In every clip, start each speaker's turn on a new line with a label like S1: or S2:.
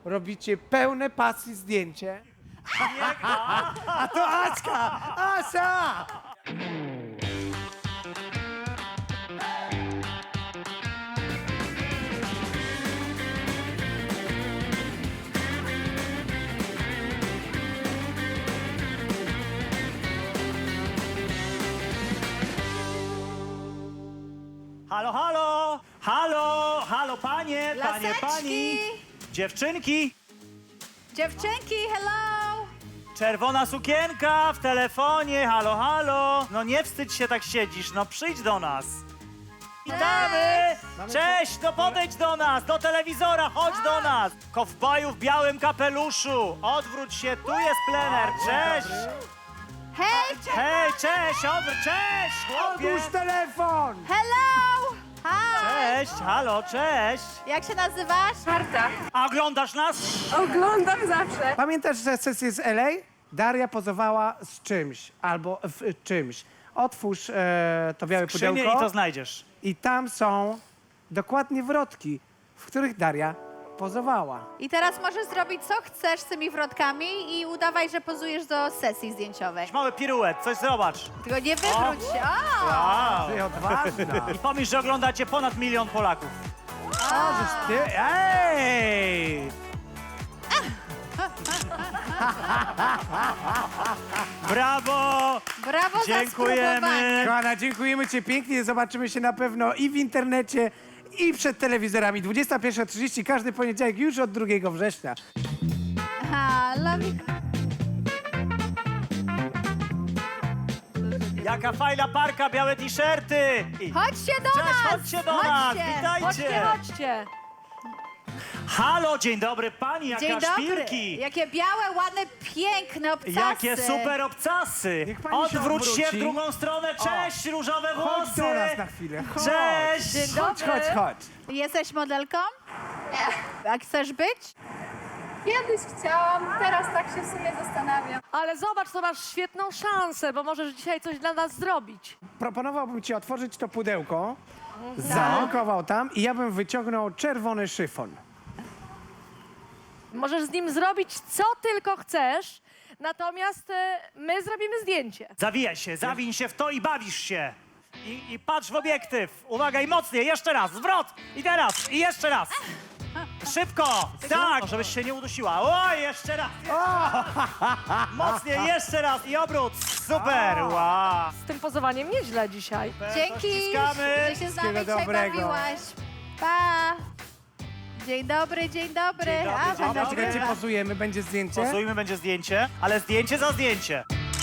S1: robicie pełne pasji zdjęcie. A to Aśka! Asia!
S2: Halo, halo! Halo, halo, panie, panie,
S3: Laseczki!
S2: pani! Dziewczynki!
S3: Dziewczynki, hello!
S2: Czerwona sukienka w telefonie, halo, halo! No nie wstydź się, tak siedzisz, no przyjdź do nas! Witamy! Cześć, no podejdź do nas, do telewizora, chodź do nas! Kowboju w białym kapeluszu, odwróć się, tu jest plener, cześć!
S3: Hej,
S2: Hej, cześć, odwróć, cześć, chłopie!
S1: Odłóż telefon!
S3: hello! Hi!
S2: Cześć, halo, cześć!
S3: Jak się nazywasz?
S4: Marta,
S2: A oglądasz nas?
S4: oglądam zawsze.
S1: Pamiętasz, że sesję z LA? Daria pozowała z czymś albo w czymś. Otwórz to białe
S2: Skrzynię
S1: pudełko
S2: i to znajdziesz.
S1: i tam są dokładnie wrotki, w których Daria pozowała.
S3: I teraz możesz zrobić co chcesz z tymi wrotkami i udawaj, że pozujesz do sesji zdjęciowej.
S2: Mały piruet, coś zobacz.
S3: Tylko nie wywróć się. O!
S2: Wow.
S1: Ty odważna.
S2: I pomyśl, że oglądacie ponad 1 milion Polaków.
S1: Możesz ty... Ej!
S2: Brawo!
S3: Brawo
S2: Dziękujemy.
S3: za spróbowanie.
S1: Kochana, dziękujemy Ci pięknie. Zobaczymy się na pewno i w internecie, i przed telewizorami. 21:30, każdy poniedziałek już od 2 września.
S3: Aha, love you.
S2: Jaka fajna parka, białe t-shirty! I-
S3: Chodźcie do
S2: Cześć,
S3: nas!
S2: chodźcie do nas, witajcie!
S4: Chodźcie.
S2: Halo, dzień dobry pani, jaka
S3: Dzień dobry.
S2: szpilki!
S3: Jakie białe, ładne, piękne obcasy.
S2: Jakie super obcasy!
S1: Niech pani się
S2: Odwróć się w
S1: odwróci.
S2: drugą stronę, cześć, różowe
S1: Chodź
S2: włosy!
S1: do nas na chwilę. Chodź.
S2: Cześć!
S4: Dzień
S1: Chodź,
S4: dobry.
S1: chodź, chodź.
S3: Jesteś modelką? A chcesz być?
S5: Kiedyś chciałam, teraz tak się w sumie zastanawiam.
S4: Ale zobacz, to masz świetną szansę, bo możesz dzisiaj coś dla nas zrobić.
S1: Proponowałbym Ci otworzyć to pudełko, zanurkował tam i ja bym wyciągnął czerwony szyfon.
S4: Możesz z nim zrobić co tylko chcesz, natomiast my zrobimy zdjęcie.
S2: Zawijaj się, zawiń się w to i bawisz się. I patrz w obiektyw. Uwaga, i mocniej, jeszcze raz, zwrot. I teraz, i jeszcze raz. Szybko, tak, żebyś się nie udusiła. O, jeszcze raz. Mocniej, jeszcze raz i obrót. Super, wow.
S4: Z tym pozowaniem nieźle dzisiaj.
S3: Dzięki,
S2: Ściskamy.
S3: że się z nami
S1: Wszystkiego
S3: dzisiaj
S1: dobrego.
S3: bawiłaś. Pa! Dzień dobry, dzień dobry.
S2: Dzień dobry,
S3: A,
S2: dzień
S3: pana
S2: dobry.
S1: Czekajcie, pozujemy, będzie zdjęcie.
S2: Pozujmy, będzie zdjęcie, ale zdjęcie za zdjęcie.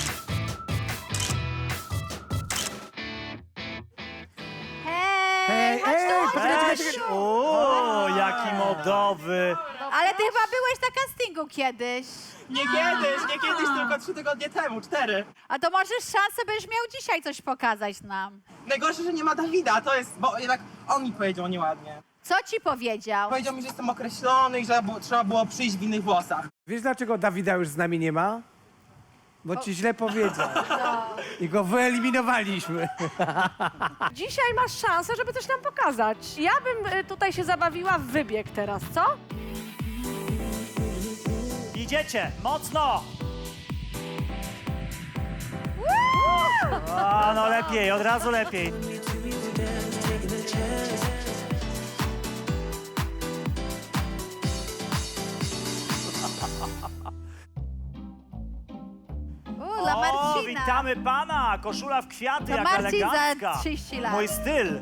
S3: Hej, chodź
S1: Ej,
S3: tu, chodź
S1: poczekaj,
S3: tu,
S1: czekaj.
S3: Asiu.
S2: O, jaki modowy.
S3: Ale ty chyba byłeś na castingu kiedyś.
S6: Nie kiedyś, tylko 3 tygodnie temu, 4.
S3: A to możesz szansę, będziesz miał dzisiaj coś pokazać nam.
S6: Najgorsze, że nie ma Dawida, to jest, bo jednak on mi powiedział nieładnie.
S3: Co ci powiedział?
S6: Powiedział mi, że jestem określony i że trzeba było przyjść w innych włosach.
S1: Wiesz, dlaczego Dawida już z nami nie ma? Bo Ci źle powiedział. I go wyeliminowaliśmy.
S4: Dzisiaj masz szansę, żeby coś nam pokazać. Ja bym tutaj się zabawiła w wybieg teraz, co?
S2: Idziecie, mocno. A, no lepiej, od razu lepiej.
S3: Dla
S2: O,
S3: Marcina.
S2: witamy pana! Koszula w kwiaty,
S3: To
S2: jak
S3: Marcin za
S2: elegancka.
S3: 30 lat.
S2: Mój styl.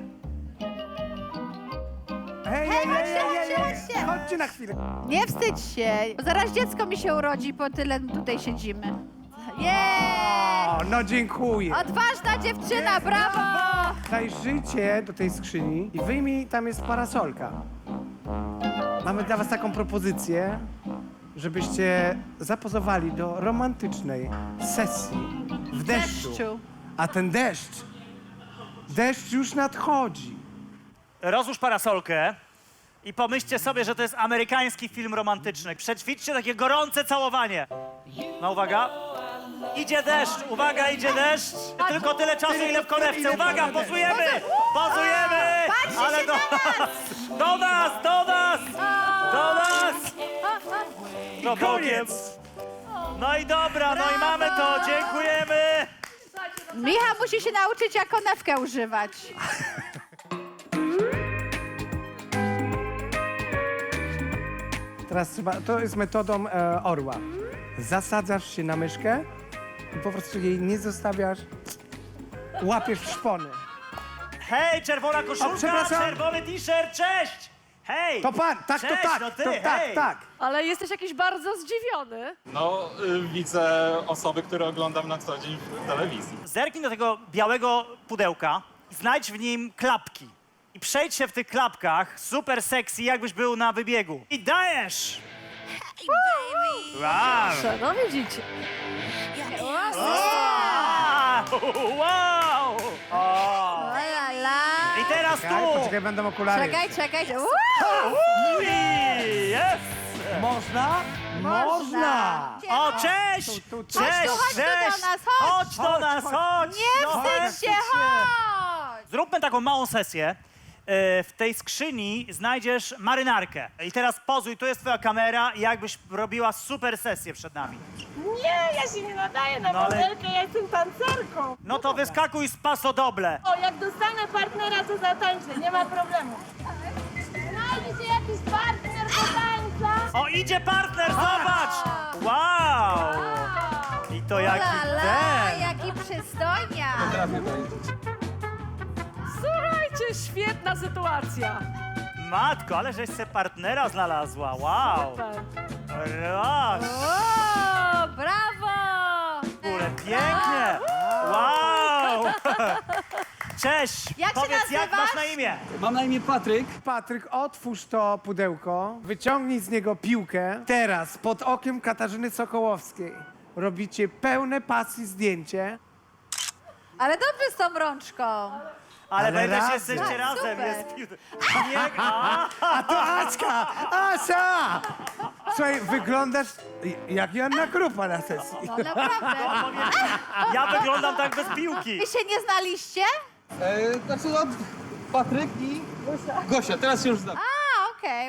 S1: Hej,
S3: chodźcie.
S1: Chodźcie na chwilę.
S3: Nie wstydź się, bo zaraz dziecko mi się urodzi, po tyle tutaj siedzimy. Jej!
S1: O, no dziękuję.
S3: Odważna dziewczyna, brawo!
S1: Daj życie do tej skrzyni i wyjmij, tam jest parasolka. Mamy dla was taką propozycję, żebyście zapozowali do romantycznej sesji w deszczu. A ten deszcz już nadchodzi.
S2: Rozłóż parasolkę i pomyślcie sobie, że to jest amerykański film romantyczny. Przećwiczcie takie gorące całowanie. No uwaga. Idzie deszcz, uwaga, idzie deszcz. Tylko tyle czasu, ile w konewce. Uwaga, pozujemy! Pozujemy!
S3: Patrzcie się
S2: do nas! Do nas! Do nas! Do nas! No
S1: Koniec!
S2: No i dobra, no i mamy to, dziękujemy!
S3: Michał musi się nauczyć, jak konewkę używać.
S1: Teraz trzeba, to jest metodą orła. Zasadzasz się na myszkę i po prostu jej nie zostawiasz, łapiesz w szpony.
S2: Hej, czerwona koszulka,
S1: przepraszam.
S2: czerwony t-shirt, cześć! Hej!
S1: To pan, tak,
S2: Cześć,
S1: to tak,
S2: no ty,
S1: to tak,
S2: hej.
S1: tak.
S4: Ale jesteś jakiś bardzo zdziwiony.
S7: No, widzę osoby, które oglądam na co dzień w telewizji.
S2: Zerknij do tego białego pudełka, znajdź w nim klapki i przejdź się w tych klapkach super sexy, jakbyś był na wybiegu. I dajesz! Wow!
S4: No widzicie.
S2: Wow! O.
S3: La, la, la.
S2: I teraz
S1: Czekaj,
S2: tu!
S1: poczekaj, będą okulary.
S3: Czekaj.
S2: Ui, Jest!
S1: Można? Można!
S2: O, cześć!
S1: Tu.
S2: Cześć,
S3: Chodź tu do
S2: cześć!
S3: nas, chodź.
S2: Chodź do nas, chodź!
S3: Nie
S2: No,
S3: wstydź się, chodź!
S2: Zróbmy taką małą sesję. W tej skrzyni znajdziesz marynarkę. I teraz pozuj, tu jest twoja kamera i jakbyś robiła super sesję przed nami.
S8: Nie, ja się nie nadaję na
S2: No ale-
S8: modelkę, ja jestem tancerką.
S2: No to wyskakuj z pasodoble.
S8: O, jak dostanę partnera, to zatańczę, nie ma problemu. Znajdzie się jakiś partner do tańca.
S2: O, idzie partner, zobacz! Wow! I to jaki
S3: La, la,
S2: ten!
S3: jaki przystojnia.
S4: Słuchajcie, świetna sytuacja.
S2: Matko, ale żeś se partnera znalazła, wow!
S4: Super.
S2: Raz,
S3: O, brawo!
S2: kurde, pięknie! Wow! Cześć!
S3: Jak się
S2: Powiedz, jak
S3: nazywasz?
S2: masz na imię?
S9: Mam na imię Patryk.
S1: Patryk, otwórz to pudełko, wyciągnij z niego piłkę. Teraz pod okiem Katarzyny Sokołowskiej robicie pełne pasji zdjęcie.
S3: Ale dobrze z tą rączką.
S2: Ale
S1: Ale
S2: będę się
S1: razem.
S2: jesteście
S3: Tak,
S2: razem.
S3: super.
S2: Jest nie,
S1: A to Aśka! Asia! Słuchaj, wyglądasz jak Joanna Krupa na sesji.
S3: No naprawdę.
S2: ja wyglądam tak bez piłki.
S3: Wy się nie znaliście?
S9: Znaczy, no, Patryk i Gosia. Teraz się już znam.
S3: A, okej.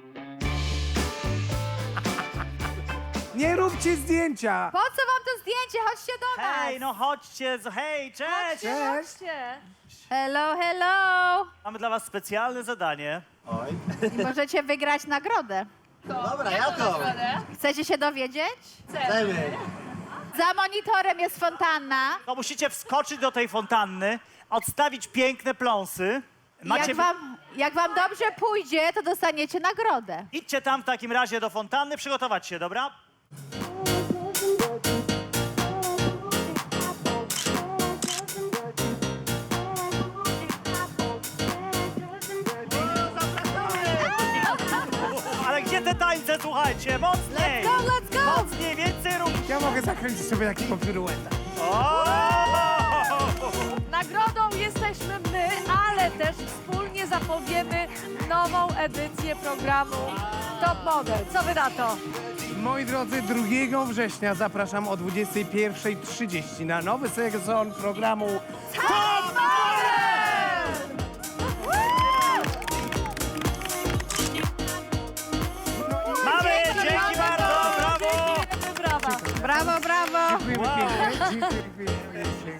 S1: Nie róbcie zdjęcia!
S3: Po co wam to zdjęcie? Chodźcie do nas.
S2: Hej, no chodźcie, hej, cześć!
S1: Cześć!
S4: Chodźcie.
S3: Hello, hello.
S2: Mamy dla was specjalne zadanie.
S3: I możecie wygrać nagrodę.
S6: Dobra, ja to.
S3: Chcecie się dowiedzieć?
S6: Chcemy.
S3: Za monitorem jest fontanna.
S2: No musicie wskoczyć do tej fontanny, odstawić piękne pląsy. Macie...
S3: Jak wam dobrze pójdzie, to dostaniecie nagrodę.
S2: Idźcie tam w takim razie do fontanny, przygotować się, dobra? Ale gdzie te tańce, słuchajcie? Mocniej!
S3: Let's go!
S2: Mocniej, więcej rób!
S1: Ja mogę zakręcić sobie takiego pirueta.
S2: O!
S4: Nagrodą jesteśmy my, ale też wspólnie zapowiemy nową edycję programu Top Model. Co wy na to?
S1: Moi drodzy, 2 września zapraszam o 21:30 na nowy sezon programu Top
S2: Mamy! Dzięki bardzo! Brawo!
S4: Brawa.
S3: Brawo, brawo.
S1: Dziękujemy pięknie. Dziękuję.